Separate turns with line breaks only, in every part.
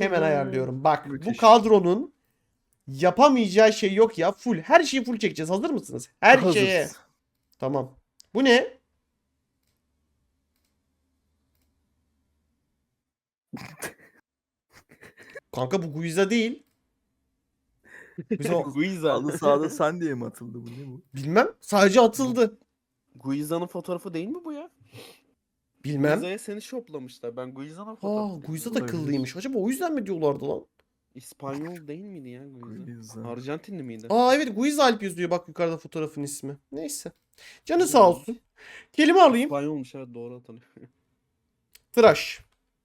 Hemen ayarlıyorum. Bak bu
Müthiş.
kadronun yapamayacağı şey yok ya. Full. Her şeyi full çekeceğiz. Hazır mısınız? Her
Hazırız.
şeye. Tamam. Bu ne? Kanka bu Guiza değil. Guiza
Guiza.
Halı sahada sen diye mi atıldı bu, ne bu?
bilmem. Sadece atıldı.
Guiza'nın fotoğrafı değil mi bu ya?
Bilmem.
Guiza'ya seni şoplamışlar. Ben Guiza'nın
Aa,
fotoğrafı.
Guiza da
Olabilir.
kıllıymış. Acaba o yüzden mi diyorlardı lan?
İspanyol değil miydi ya Guiza?
Guiza.
Arjantinli miydi?
Aa evet Guiza Alp yazıyor. Bak yukarıda fotoğrafın ismi. Neyse. Canı sağ olsun. Kelime alayım.
İspanyolmuş, evet, doğru hatırlıyorum.
Tıraş.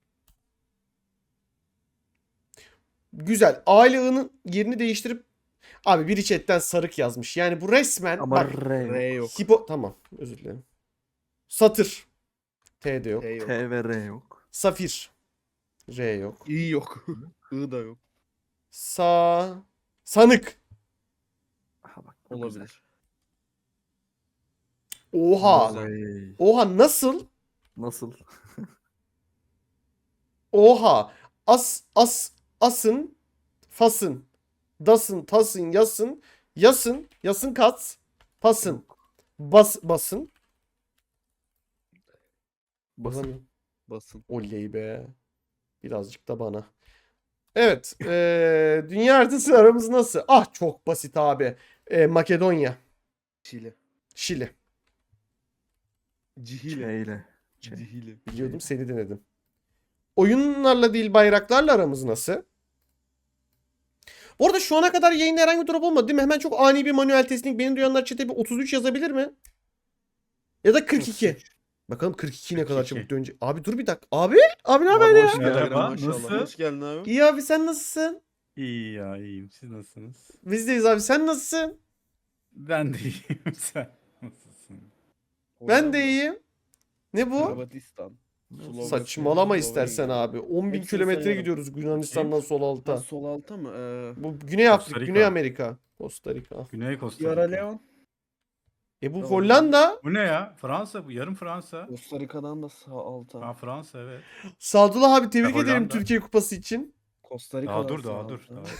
Güzel. Aile I'nın yerini değiştirip abi biri chatten sarık yazmış. Yani bu resmen
Ama
bak
R yok.
R yok.
tamam özür dilerim. Satır. T de yok.
T yok.
T ve R yok.
Safir. R yok.
İ yok. I da yok.
Sanık.
Aha bak, bu
Olabilir.
Oha.
Güzel.
Güzel.
Oha nasıl?
Nasıl?
Oha. Asın. Fasın. Dasın. Tasın. Yasın. Yasın kat. Pasın. Basın.
Basın.
Yazamıyorum.
Basın.
Oley be. Birazcık da bana. Evet. Dünya haritası aramız nasıl? Ah çok basit abi. Makedonya.
Şili.
Şili.
Cihile.
Ç ile. Ç.
Cihile.
Biliyordum seni denedim. Oyunlarla değil bayraklarla aramız nasıl? Bu arada şu ana kadar yayında herhangi bir drop olmadı değil mi? Hemen çok ani bir manuel testing. Beni duyanlar chat'e bir 33 yazabilir mi? Ya da 42. Bakalım 42 ne kadar
42.
çabuk dönecek. Abi dur bir dakika. Abi ne haber
Abi
ya?
hoş geldin.
Merhaba,
Maşallah.
nasıl?
Hoş geldin abi.
İyi abi sen nasılsın?
İyi ya, iyiyim. Siz nasılsınız?
Bizdeyiz abi sen nasılsın?
Ben de iyiyim. Sen nasılsın?
Ben de iyiyim. Ne bu?
Hırvatistan. Slovakya,
Saçmalama
Slovenya.
istersen abi. 10.000
Hepsini
kilometre
sayarım.
gidiyoruz Yunanistan'dan sol
Ha,
alta.
sol alta mı?
Bu Güney Afrika,
Costa Rica.
Güney Amerika. Costa Rica.
Güney Costa
Sierra
Rica.
Leone.
Bu
Doğru.
Hollanda.
Bu ne ya? Fransa bu. Yarım Fransa.
Costa Rica'dan da sağ alta.
Ha, Fransa evet.
Sadullah abi tebrik
Ya,
ederim
Hollanda.
Türkiye Kupası için.
Costa Rica'dan
Daha dur,
sağ
daha dur.
alta.
Daha.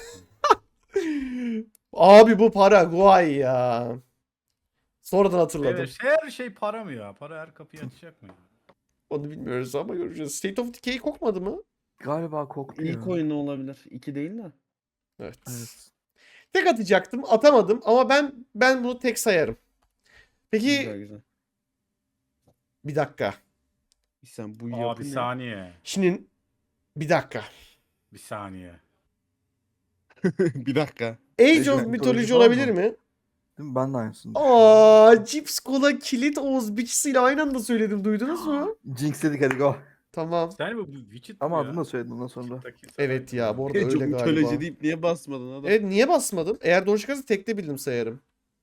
Abi bu Paraguay ya. Sonradan hatırladım.
Evet, her şey para mı ya? Para her kapıyı açacak mı?
Onu bilmiyoruz ama göreceğiz. State of Decay kokmadı mı?
Galiba koktu ya.
İlk oyunu olabilir. 2 değil de.
Evet.
Evet.
Tek atacaktım, atamadım ama ben bunu tek sayarım. Peki
Güzel güzel.
bir dakika.
Sen bu
Aa,
yapı
bir
ne?
saniye.
Şimdi bir dakika.
Bir saniye.
Bir dakika.
Age of
Mythology
Mythology
falan
olabilir
mı?
mi?
Değil mi? Ben de aynısını düşünüyorum.
Aa, Cips Cola Kilit Oğuz biçisiyle aynı anda söyledim. Duydunuz mu?
Jinx dedik, hadi go.
Tamam.
Sen bu Witcher
Ama
ya.
adını da söyledin ondan sonra.
Evet ya bu arada
Age of
öyle
Mythology
galiba.
deyip niye basmadın adam?
Evet niye basmadım? Eğer doğru çıkarsa tekte bildim sayarım.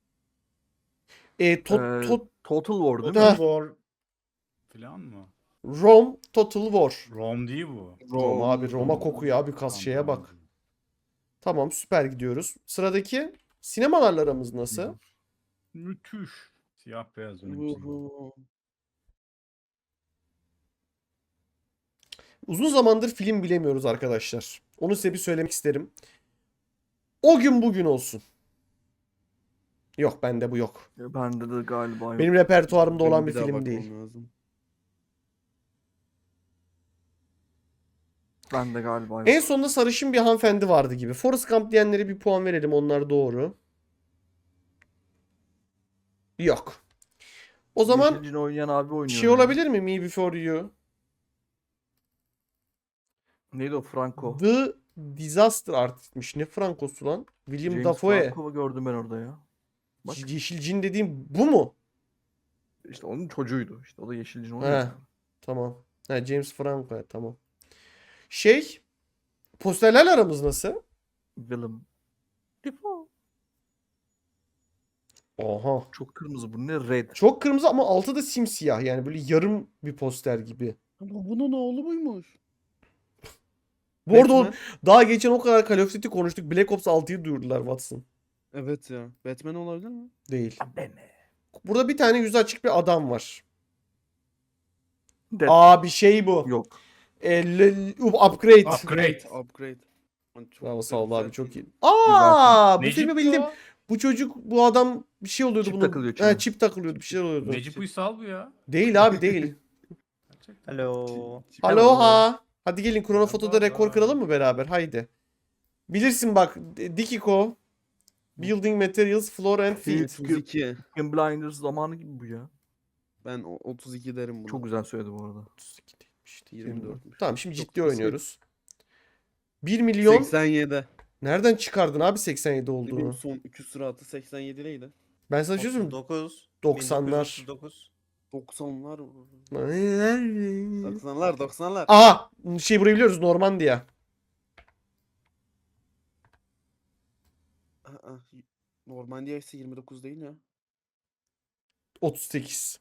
Total War değil mi?
Ha.
Total War falan mı?
Rome Total War.
Rome değil bu.
Roma abi Roma kokuyor abi kas şeye
Tamam,
bak. Tamam süper gidiyoruz. Sıradaki sinemalarla aramız nasıl?
Müthiş. Siyah beyaz önümüzde.
Uhu.
Uzun zamandır film bilemiyoruz arkadaşlar. Onu size bir söylemek isterim. O gün bugün olsun. Yok bende bu yok.
Bende de galiba yok.
Benim repertuarımda olan
Benim
bir
daha
film
bakmam
değil.
lazım.
Bende galiba yok.
En sonunda sarışın bir hanımefendi vardı gibi. Forrest Gump diyenlere bir puan verelim. Onlar doğru. Yok. O zaman
Yeşil Cin oynayan abi oynuyor.
şey
ya.
olabilir mi? Me Before You.
Neydi o, Franco?
The Disaster Artist'miş. Ne Franco'su lan? William
James
Dafoe.
Franco'yu gördüm ben orada ya. Bak.
Yeşil Cin dediğim bu mu?
İşte onun çocuğuydu. İşte o da Yeşil Cin
He.
oynuyor.
Tamam. Ha, James Franco. Tamam. Şey. Posterlerle aramız nasıl?
Willem. Defoe.
Oha.
Çok kırmızı, bu ne, red.
Çok kırmızı ama altı da simsiyah. Yani böyle yarım bir poster gibi.
Ama bunun oğlu muymuş?
Bu arada
Batman.
daha geçen o kadar Call of Duty konuştuk. Black Ops 6'yı duyurdular Watson.
Evet ya. Batman olabilir mi?
Değil.
Bene.
Burada bir tane yüzü açık bir adam var.
Dead.
Aa bir şey bu.
Yok.
Upgrade.
Upgrade.
Upgrade. Lan çok
Bravo
güzel,
Sağ ol abi
güzel
çok
film.
iyi. Aa, bu
Necip
filmi bildim.
bu.
Bu çocuk, bu adam bir şey oluyordu
Çip
bunun.
takılıyor
He,
içine.
çip takılıyordu, bir şey oluyordu.
Necip Uysal bu ya.
Değil abi değil.
Gerçekten.
Alo.
Aloha. Hadi gelin Kronofoto'da
Merhaba.
rekor kıralım mı beraber? Haydi. Bilirsin bak, Dikiko. Building Materials, Floor and Feet.
32.
Peaky Blinders zamanı gibi bu ya.
Ben 32 derim buna.
Çok güzel söyledi bu arada.
32 değilmiş,
24.
Tamam şimdi
Çok
ciddi
basit.
oynuyoruz. 1 milyon
87.
nereden çıkardın abi 87
Ne bileyim
olduğunu?
son 2 sıratı 87'leydi.
Ben sana bir şey söyleyeyim mi?
39.
90'lar.
1939.
90'lar.
90'lar.
90'lar 90'lar.
Aha! Şey burayı biliyoruz, Normandiya.
Aa, Normandiya ise 29 değil ya.
38.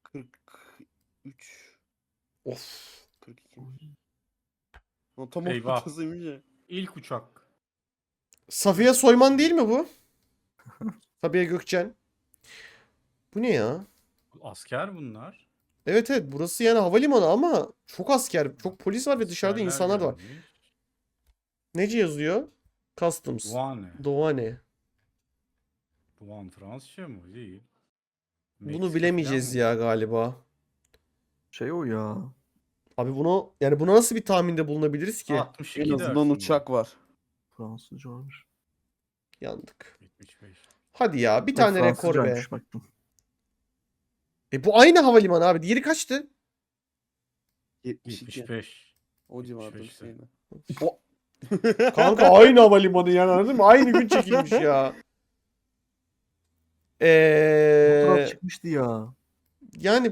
43.
Of.
42. O tam
Eyvah.
ortasıymış ya.
İlk uçak.
Safiye Soyman değil mi bu? Sabiha Gökçen. Bu ne ya?
Asker bunlar.
Evet evet, burası yani havalimanı ama çok asker, çok polis var ve dışarıda
Askerler
insanlar da var.
gelmiş.
Nece yazıyor? Customs.
Douane.
Douane.
Douane Fransızca mı? Değil.
Bunu
Meksika
bilemeyeceğiz
falan mı?
ya galiba.
Şey o ya.
Abi bunu, yani buna nasıl bir tahminde bulunabiliriz ki?
62
En azından
dersin
uçak var.
Fransızca olmuş.
Yandık.
bu. 75.
Hadi ya, bir
Bak,
tane rekor be.
Fransızcaymış baktım.
Bu aynı havalimanı abi. Diğeri kaçtı?
72.
75.
O civarda bir
75'te.
şeydi.
Kanka aynı havalimanı yani, anladın mı? Aynı gün çekilmiş ya.
Fotoğraf çıkmıştı ya.
Yani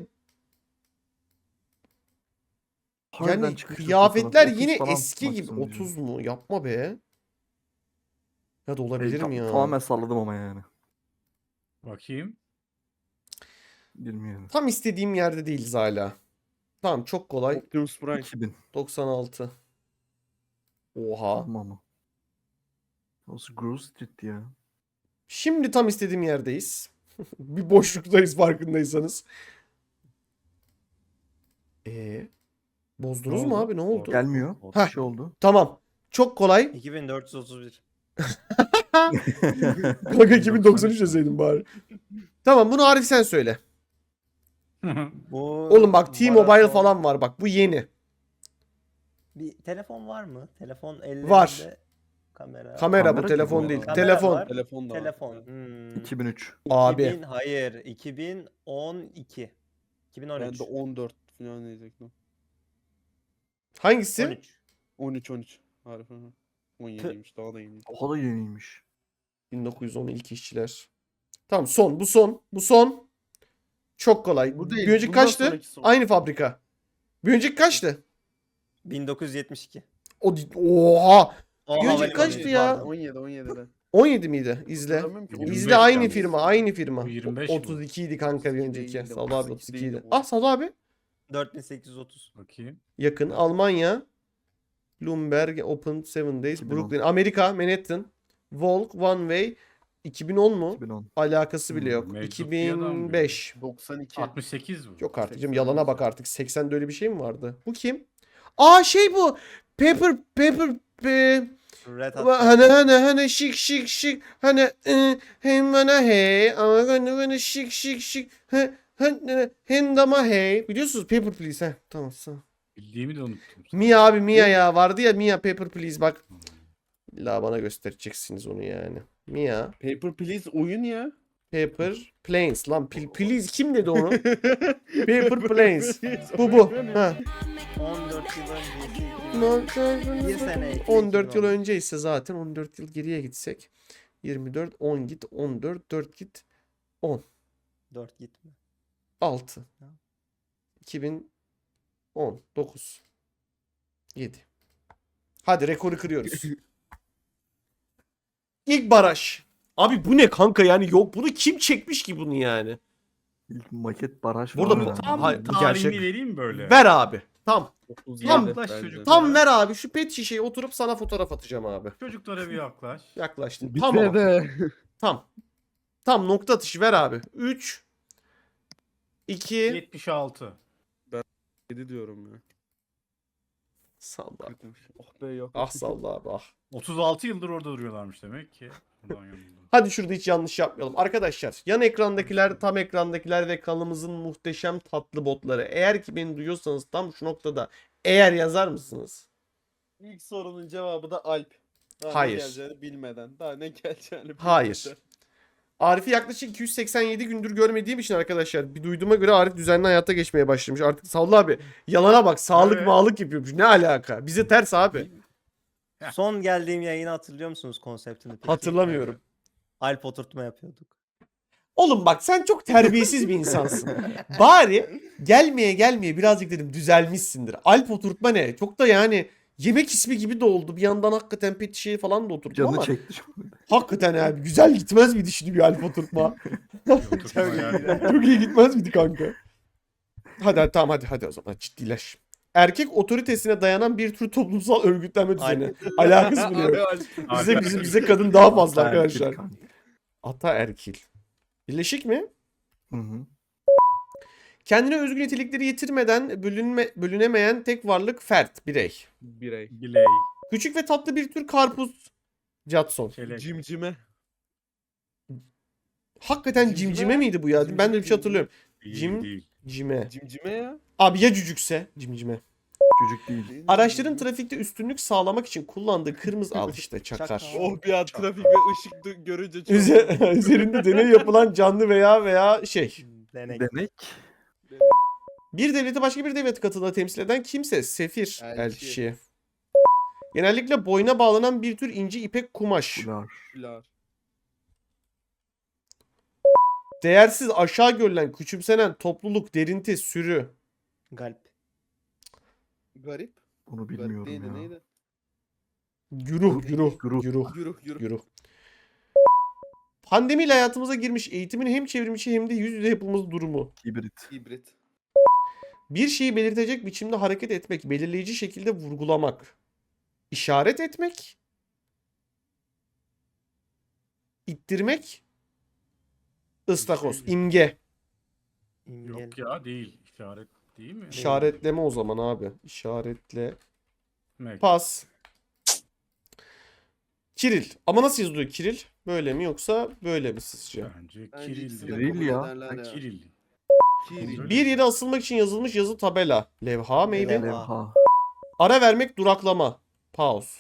Harbiden
yani
çıkmıştı
kıyafetler
fotoğraf. 30
yine
falan
eski gibi.
maksimum diyor.
30 mu? Yapma be. Ya da olabilir mi ya?
Tamamen salladım ama yani.
Bakayım.
Bilmiyorum.
Tam istediğim yerde değiliz hala. Tamam, çok kolay.
Optimus Prime.
2000.
96. Oha.
Tamam ama. Nasıl Grove Street'ti ya.
Şimdi tam istediğim yerdeyiz. Bir boşluktayız farkındaysanız. Bozdunuz
Ne
mu
oldu?
abi? Ne oldu?
Gelmiyor.
Heh.
Bir şey oldu.
Tamam. Çok kolay.
2431.
Kanka 2093 yazaydım bari. Tamam, bunu Arif sen söyle.
Bu
Oğlum bak, T-Mobile
maraton-
falan var bak. Bu yeni.
Bir telefon var mı? Telefon ellerinde.
Var.
Kamera.
Kamera bu,
Kamera
telefon
gibi
değil.
bu.
Kamera
Telefon.
var.
Telefon da var.
Telefon.
2003.
Abi.
2000, hayır. 2012.
Ben
2013.
de 14 falan diyecektim.
Hangisi?
13.
13. Harika. 17'ymiş daha da iyiymiş.
Oha da yeniymiş.
1910 ilk işçiler. Tamam, son. Bu son. Bu son. Çok kolay.
Bu değil,
Bir önceki
bundan
kaçtı?
sonraki son.
Aynı fabrika. Bir önceki kaçtı?
1972.
Oha.
O
Bir önceki
havalimanı
kaçtı ya?
pardon.
17'de.
17 miydi? İzle.
Hatırlamıyorum ki.
25
İzle, aynı
yalnız.
firma. Aynı firma.
Bu 25 mi?
32 idi kanka bir
32
önceki.
değildi,
Sağ ol abi,
32
32
değildi
idi.
bu.
Ah, sağ ol abi.
4830.
Bakayım.
Yakın. Almanya. Bloomberg Open 7 Days.
2010.
Brooklyn. Amerika. Manhattan. Volk. One Way. 2010 mu?
2010.
Alakası bile yok.
Meczup bir adam
2005.
92.
68 bu.
Yok artık canım,
80
yalana bak
olsa.
artık. 80'de öyle bir şey mi vardı? Bu kim? Aa, şey bu. Pepper
Red Hot.
hani şık hani hem bana hey ama hani şık hem dama hey, biliyorsunuz Paper Please, tamam sağ.
Bildiğimi de unuttum.
Mia abi, Mia ya vardı ya, Mia Paper Please, bak illa bana göstereceksiniz onu yani. Mia
Paper Please oyun ya.
Paper Planes lan, Please kim dedi onu? Paper Planes, bu ha.
14 yıl öncesi. Bir sene.
14 yıl önce ise zaten 14 yıl geriye gitsek 24 10 git 14 4 git 10
4 gitme.
6
Ha.
2010 9 7. Hadi rekoru kırıyoruz. İlk baraj. Abi bu ne kanka, yani yok, bunu kim çekmiş ki bunu yani?
İlk maket baraj
Burada
falan
bu-
yani.
Tam
Hayır, bu
tarihini
gerçek.
vereyim böyle.
Ver abi. Tam
37
Yaklaş
bence.
çocuk.
tam ver abi, şu pet şişeyi oturup sana fotoğraf atacağım abi.
Çocuklara bir yaklaş.
Yaklaştın.
Bir
Tam ama.
de.
Tam nokta atışı ver abi. 3 2
76.
7 diyorum ya.
Salla.
Kötüymüş. Oh be yok.
Ah Salla abi ah.
36 yıldır orada duruyorlarmış demek ki. Ulan yanıldım.
Hadi şurada hiç yanlış yapmayalım. Arkadaşlar yan ekrandakiler, tam ekrandakiler ve kanalımızın muhteşem tatlı botları. Eğer ki beni duyuyorsanız tam şu noktada eğer yazar mısınız?
İlk sorunun cevabı da Alp. Daha
Hayır.
ne geleceğini bilmeden. Daha ne geleceğini bilmeden.
Hayır. Arif'i yaklaşık 287 gündür görmediğim için arkadaşlar bir duyduğuma göre Arif düzenli hayata geçmeye başlamış. Artık Salla abi yalana bak sağlık
Evet.
mağlık yapıyormuş. Ne alaka? Bize ters abi.
Son geldiğim yayını hatırlıyor musunuz konseptini peki?
Hatırlamıyorum.
Alp oturtma yapıyorduk.
Oğlum bak sen çok terbiyesiz bir insansın. Bari gelmeye birazcık dedim düzelmişsindir. Alp oturtma ne? Çok da yani yemek ismi gibi de oldu. Bir yandan hakikaten pet şişeyi falan da oturttum
Canı
ama
çekti şu an.
hakikaten abi güzel gitmez miydi şimdi bir Alp oturtma?
Oturtma yani.
Çok iyi gitmez miydi kanka? Hadi tamam hadi o zaman ciddileş. Erkek otoritesine dayanan bir tür toplumsal örgütlenme düzeni. Alakası bile yok. Bize kadın daha fazla
Erkek
arkadaşlar.
kanka.
Ataerkil. Birleşik mi?
Hı hı.
Kendine özgü nitelikleri yitirmeden bölünemeyen tek varlık fert, birey.
Birey.
Biley.
Küçük ve tatlı bir tür karpuz. Jadson.
Çelek.
Cimcime.
Hakikaten
Cimcime
cimcime
ya.
miydi bu ya? Ben de bir şey hatırlıyorum.
Değil,
Cim-
değil.
Cime.
Cimcime ya.
Abi ya cücükse? Cimcime.
Çocuk değil.
Değil mi?
Araçların trafikte üstünlük sağlamak için kullandığı kırmızı al işte çakar.
Çakar.
Oh bir an trafik ve ışık görünce çok.
Üzerinde deney yapılan canlı veya şey.
Denek.
Denek.
Bir devleti başka bir devleti katında temsil eden kimse. Sefir.
Elçi.
Elçi. Genellikle boyuna bağlanan bir tür ince ipek kumaş.
Ular.
Pilar.
Değersiz, aşağı görülen, küçümsenen topluluk, derinti, sürü.
Galp.
Garip.
Bunu
Garip
bilmiyorum
değildi
ya.
neydi?
Güruh.
Güruh.
Yürü.
Pandemiyle hayatımıza girmiş eğitimin hem çevrimiçi hem de yüz yüze yapılması durumu.
Hibrit.
Hibrit.
Bir şeyi belirtecek biçimde hareket etmek, belirleyici şekilde vurgulamak. İşaret etmek. İttirmek. Istakoz,
şey-
imge.
İngel.
Yok ya değil. İşaret değil mi?
İşaretleme o zaman abi. İşaretle.
Demek.
Pas. Kiril. Ama nasıl yazılıyor Kiril? Böyle mi yoksa böyle mi sizce?
Bence
Bence
Kiril.
ikisini de
Kiril
kabul
ya.
ederler ya.
Kiril.
Kiril.
Bir yere asılmak için yazılmış yazı tabela. Levha, maybe.
Levha.
Levha.
Ara vermek, duraklama. Pause.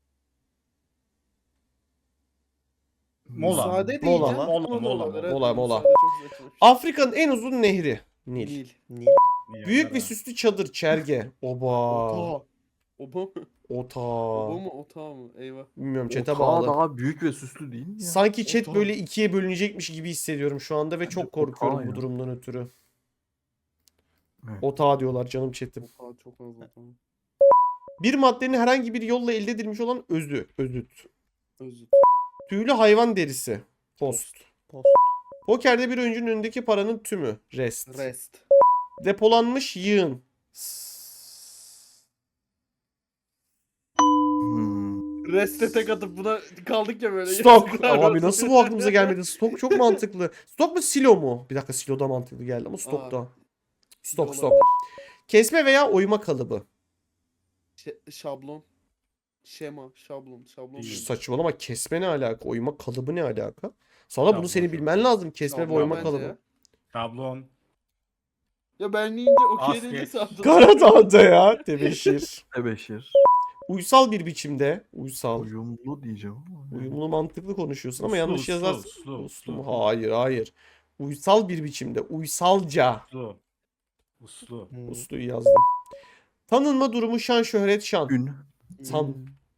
Mola.
Müsaade
Mola.
diyeceğim.
Mola.
Mola.
Müsaade çok saçma.
Afrika'nın en uzun nehri. Nil.
Nil.
Nil.
Büyük ve süslü çadır, çerge. Oba.
Ota. Oba mı?
Ota.
Oba mı? Ota mı? Eyvah.
Bilmiyorum chat'e
Otağı
bağlı.
daha büyük ve süslü değil mi ya?
Sanki chat
Ota.
böyle ikiye bölünecekmiş gibi hissediyorum şu anda ve çok korkuyorum
ota
bu
ya.
durumdan ötürü.
Evet.
Ota diyorlar canım chat'im.
Ota çok az ota.
Bir maddenin herhangi bir yolla elde edilmiş olan özü. Özüt.
Özür.
Tüylü hayvan derisi. Post.
Post.
Pokerde bir oyuncunun önündeki paranın tümü. Rest.
Rest.
Depolanmış yığın.
Hmm.
Rest'e tek atıp buna kaldık ya böyle.
Stok.
Yazıklar
Abi
olsun.
nasıl bu aklımıza gelmedi? Stok çok mantıklı. Stok mu silo mu? Bir dakika silo da mantıklı geldi ama stok da. Stok
Olabilir.
stok. Kesme veya oyma kalıbı.
Şablon. Şema. Şablon. Şablon.
Değil.
değil.
Saçmalama kesme ne alaka? Oyma kalıbı ne alaka? Sana bunu
Şablon,
senin
şablon.
bilmen lazım. Kesme ve
Şablon
oyma
bence
kalıbı.
ya.
Şablon.
Ya ben deyince okey
Basket.
deyince sandım.
Karadağ'da ya. Tebeşir.
Tebeşir.
Uysal bir biçimde. Uysal.
Uyumlu diyeceğim ama.
Uyumlu mantıklı konuşuyorsun ama
Uslu,
yanlış
uslu,
yazarsın.
uslu,
Uslu mu?
uslu.
Hayır. Uysal bir biçimde. Uysalca.
Uslu. Uslu.
Hmm.
Uslu'yu yazdım. Tanınma durumu şan şöhret şan.
Ün.
San.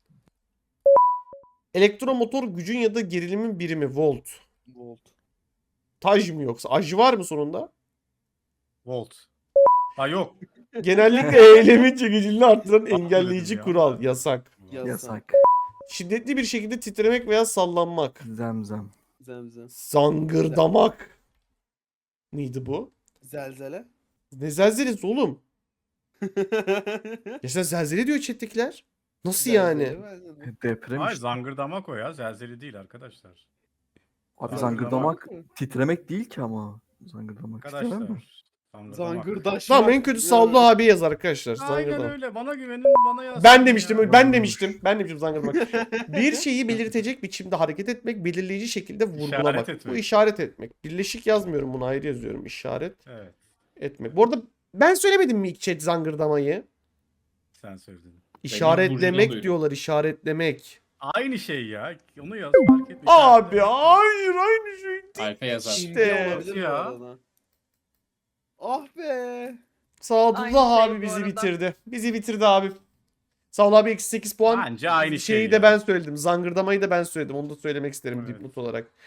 Elektromotor gücün ya da gerilimin birimi volt.
Volt.
Taj mı yoksa? Aj var mı sonunda?
Volt. Ha yok.
Genellikle eylemin çekiciliğini arttıran engelleyici
ya.
kural. Yasak.
Yasak.
Şiddetli bir şekilde titremek veya sallanmak.
Zemzem.
Zemzem.
Zangırdamak. Neydi bu?
Zelzele.
Ne zelzelesi oğlum? Ya sen zelzele diyor chat'tekiler. Nasıl yani?
Deprem
Hayır
işte.
zangırdamak o ya. Zelzeli değil arkadaş.
Abi
Zangırdamak.
zangırdamak titremek değil ki ama. Zangırdamak titremek mi?
Arkadaşlar.
Zangırdaş.
Tamam en kötü Sallu abi yaz arkadaşlar.
Aynen
Zangırdama.
öyle. Bana güvenin, bana yazsın
Ben demiştim,
ya.
ben demiştim. Ben demiştim zangırdamak. Bir şeyi belirtecek biçimde hareket etmek, belirleyici şekilde vurgulamak.
İşaret etmek.
Bu işaret etmek. Birleşik yazmıyorum bunu, ayrı yazıyorum. İşaret
Evet,
etmek. Bu arada ben söylemedim mi ilk chat zangırdamayı?
sen söyledin.
İşaretlemek
duydum.
diyorlar, işaretlemek.
Aynı şey ya. Onu yaz, fark etmiş.
Abi hayır aynı şey değil.
Alfa yazar.
İşte.
Olabilir bu
Ya.
arada. Ah be.
Sadullah
Aynı şey
abi
bu
bizi
arada.
bitirdi. Bizi bitirdi abi. Sadullah abi eksi 8 puan.
Bence aynı şey
Şeyi de
ya.
ben söyledim. Zangırdamayı da ben söyledim. Onu da söylemek isterim
Evet.
dipnot olarak.